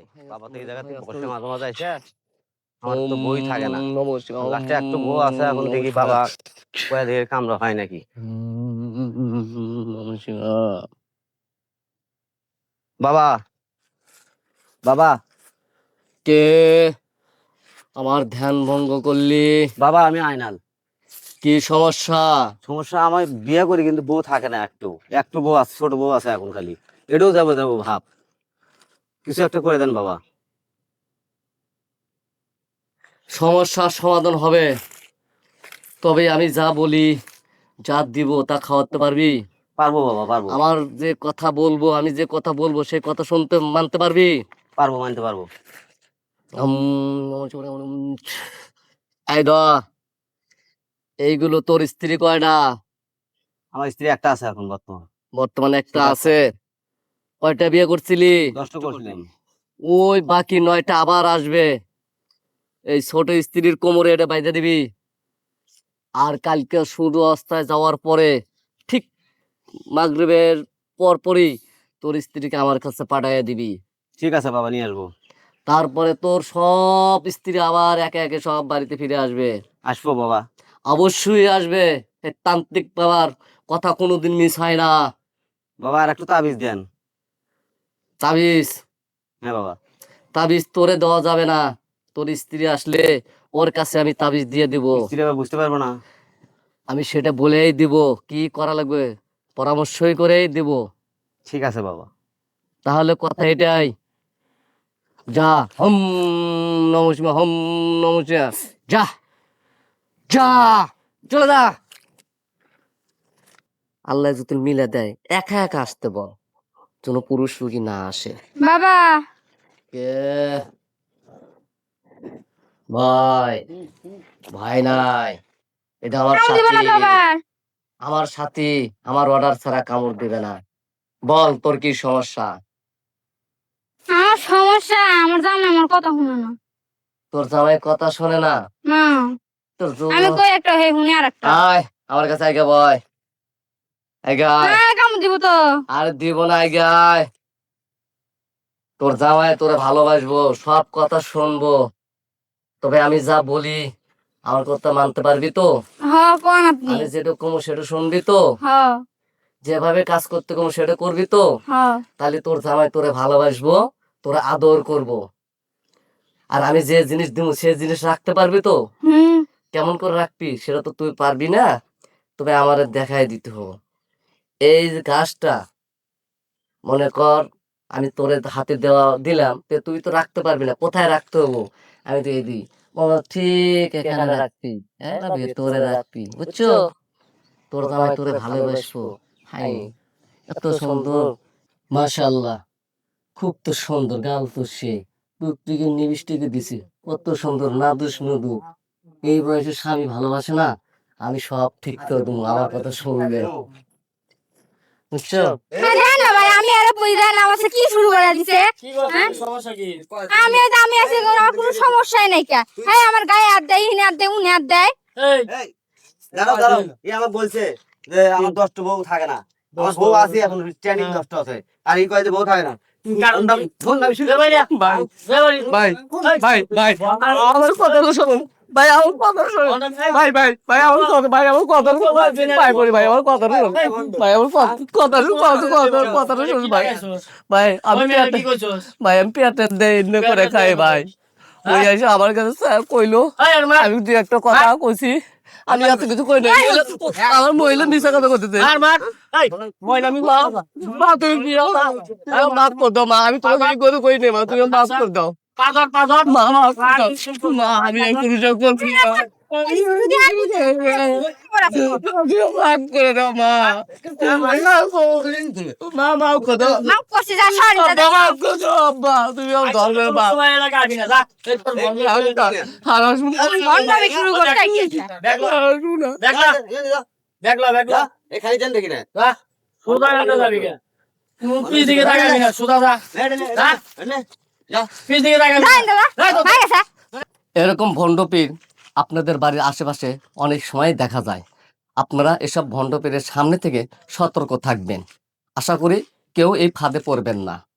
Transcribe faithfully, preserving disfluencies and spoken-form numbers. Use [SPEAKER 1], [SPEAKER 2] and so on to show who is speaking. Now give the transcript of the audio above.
[SPEAKER 1] বাবা তো এই জায়গাতে বসে মাঝে মাঝে এসে আমার তো বই থাকে না, লাস্টে একটু বউ আছে। এখন দেখি বাবা কয়া দিয়ে কামড়া হয় নাকি। বাবা বাবা
[SPEAKER 2] কে আমার ধ্যান ভঙ্গ করলি?
[SPEAKER 1] বাবা আমি আয়নাল।
[SPEAKER 2] কি সমস্যা?
[SPEAKER 1] সমস্যা আমার বিয়ে করি কিন্তু বউ থাকে না, একটু একটু বউ আছে, ছোট বউ আছে এখন, খালি এটাও যাবো যাবো ভাব। কিছু একটা করে দেন বাবা।
[SPEAKER 2] সমস্যার সমাধান হবে, তবে আমি যা বলি যা দিব তা খাওয়াতে পারবি?
[SPEAKER 1] পারবো বাবা পারবো।
[SPEAKER 2] আমার যে কথা বলবো, আমি যে কথা বলবো সেই কথা শুনতে মানতে পারবি?
[SPEAKER 1] পারবো, মানতে পারবো।
[SPEAKER 2] এই ধর, এইগুলো তোর স্ত্রী কয়টা?
[SPEAKER 1] আমার স্ত্রী একটা আছে এখন বর্তমান।
[SPEAKER 2] বর্তমানে একটা আছে। কয়টা বিয়ে করছিলি?
[SPEAKER 1] দশটা করছিলাম।
[SPEAKER 2] ওই বাকি নয়টা আবার আসবে। এই ছোট স্ত্রীর কোমরে এটা বাইধে দিবি। আর কালকে সূর্য অস্তায় যাওয়ার পরে ঠিক মাগরিবের পর পরই তোর স্ত্রীকে আমার কাছে পাঠাইয়া দিবি।
[SPEAKER 1] ঠিক আছে বাবা, নিয়ে আসবো।
[SPEAKER 2] তারপরে তোর সব স্ত্রী আবার একে একে সব বাড়িতে ফিরে আসবে।
[SPEAKER 1] আসবো বাবা।
[SPEAKER 2] অবশ্যই আসবে। এই তান্ত্রিক বাবার কথা কোনোদিন মিস হয় না।
[SPEAKER 1] বাবা আর একটু তাবিজ দেন।
[SPEAKER 2] তাবিজ?
[SPEAKER 1] হ্যাঁ বাবা।
[SPEAKER 2] তাবিজ তোরে দেওয়া যাবে না। তোর স্ত্রী আসলে ওর কাছে আমি তাবিজ দিয়ে দিব।
[SPEAKER 1] স্ত্রী বাবা বুঝতে পারবো না।
[SPEAKER 2] আমি সেটা বলেই দিব, কি করা লাগবে পরামর্শই করেই দিব।
[SPEAKER 1] ঠিক আছে বাবা।
[SPEAKER 2] তাহলে কথা এটাই, যা হম নমঃ শিবায়, হম নমঃ শিবায়, যা যা চলে যা। আল্লাহ যদি মিলে দেয় একা একা আসতে বল, যেন পুরুষ রুগী না আসে।
[SPEAKER 3] বাবা
[SPEAKER 2] কে ভাই? ভাই নাই, এটা আমার
[SPEAKER 3] কামড় দিবে না তো
[SPEAKER 2] সাথী।
[SPEAKER 3] আবার।
[SPEAKER 2] আমার সাথী আমার অর্ডার ছাড়া কামড় দিবে না। বল তোর কি সমস্যা?
[SPEAKER 3] আমার সমস্যা, আমার জামাই আমার কথা শুনে না।
[SPEAKER 2] তোর জামাই কথা শোনে না?
[SPEAKER 3] না,
[SPEAKER 2] তোর
[SPEAKER 3] আমি
[SPEAKER 2] জো-
[SPEAKER 3] কই একটা হে শুনি আর একটা।
[SPEAKER 2] আয় আমার কাছে আগে বয়, আগে আয়।
[SPEAKER 3] হ্যাঁ কামড় দিব তো।
[SPEAKER 2] আর দিব না, আগে আয়। তোর জামাই তোরে ভালোবাসবো, সব কথা শুনবো, তবে আমি যা বলি আমার কথা মানতে পারবি তো?
[SPEAKER 3] হ কোন আপনি?
[SPEAKER 2] আমি যেটা কমো সেটা শুনবি তো?
[SPEAKER 3] হ
[SPEAKER 2] যেভাবে কাজ করতে কমো সেটা করবি তো?
[SPEAKER 3] হ
[SPEAKER 2] তাহলে তোর জামাই তোরে ভালোবাসবো, তোরে আদর করব। আর আমি যে জিনিস দিব সে জিনিস রাখতে পারবি তো?
[SPEAKER 3] হুম
[SPEAKER 2] কেমন করে রাখবি সেটা তো তুই পারবি না, তবে আমার দেখাই দিতে হবে। এই যে গাছটা মনে কর আমি তোরে হাতে দেওয়া দিলাম, তে তুই তো রাখতে পারবি না, কোথায় রাখতে হবো? আমি তো এই দিই বাবা, ঠিক এখানে রাখবি, হ্যাঁ না ভেতরে রাখবি, বুঝছো? তোর জামাই তোরে ভালোবাসবো। হাই এত সুন্দর, মাশাআল্লাহ, খুব তো সুন্দর গাল তো সে টুকটুকে নিবিষ্টিকে দিছি, কত সুন্দর নাদুস নুদু। এই বয়সে স্বামী ভালোবাসে না? আমি সব ঠিক করে দেবো, আমার কথা শুনবে, বুঝছো?
[SPEAKER 3] হ্যাঁ জান না ভাই, আমি আরে বুঝি না আমার সাথে কি শুরু করে দিছে। হ্যাঁ? আমি আর আমি আছি, আমার কোনো সমস্যাই নাই কা। হ্যাঁ আমার গায়ে হাত দেয়, ইনি হাত দেয়, উনি হাত দেয়।
[SPEAKER 1] এই দাঁড়াও দাঁড়াও, এই আমার বলছে যে আমার দশটা বউ থাকে না। আমার বউ আছে এখন, ট্রেনিং দশটা আছে, আর এই কয় যে বউ থাকে না।
[SPEAKER 4] ভাই ভাই ভাই আমার কথা শুনুন ভাই, আমার কথা শুনুন ভাই, ভাই ভাই আমার কথা, ভাই আমার কথা শুনুন ভাই, বলি ভাই আমার কথা শুনুন ভাই, আমার কথা শুনুন, কথা কথা শুনুন ভাই। ভাই আমি ভাই আমি পেটের দেয় এমনি করে খাই ভাই। ওই এসে আমার কাছে স্যার কইলো, আমি দু একটা কথা কইছি, আমি এত কিছু কই নাই। আমার মহিলা মিশা কথা করতেছে। মহিলা আমি মা মা তুমি কি মাফ করে দাও মা, আমি তোমাকে এই করে কই নেই মা, তুমি মাফ করে দাও মা, মাফ করে দাও মা, আমি এই পুরুষে করছি না, মাফ করে দাও মা, মা মাফ করে দাও,
[SPEAKER 3] মাফ করছি যা, সরি দাদা।
[SPEAKER 4] মাফ করে দাও আব্বা, তুমি আমার ধর্মের মা। হারাস
[SPEAKER 3] মনটাকে শুরু করতে গিয়েছে।
[SPEAKER 1] এখানে যান দেখি না।
[SPEAKER 3] যাই দাদা, ভাই গেছে।
[SPEAKER 2] এরকম ভণ্ডপীর আপনাদের বাড়ির আশেপাশে অনেক সময় দেখা যায়। আপনারা এসব ভণ্ডপীরের সামনে থেকে সতর্ক থাকবেন। আশা করি কেউ এই ফাঁদে পড়বেন না।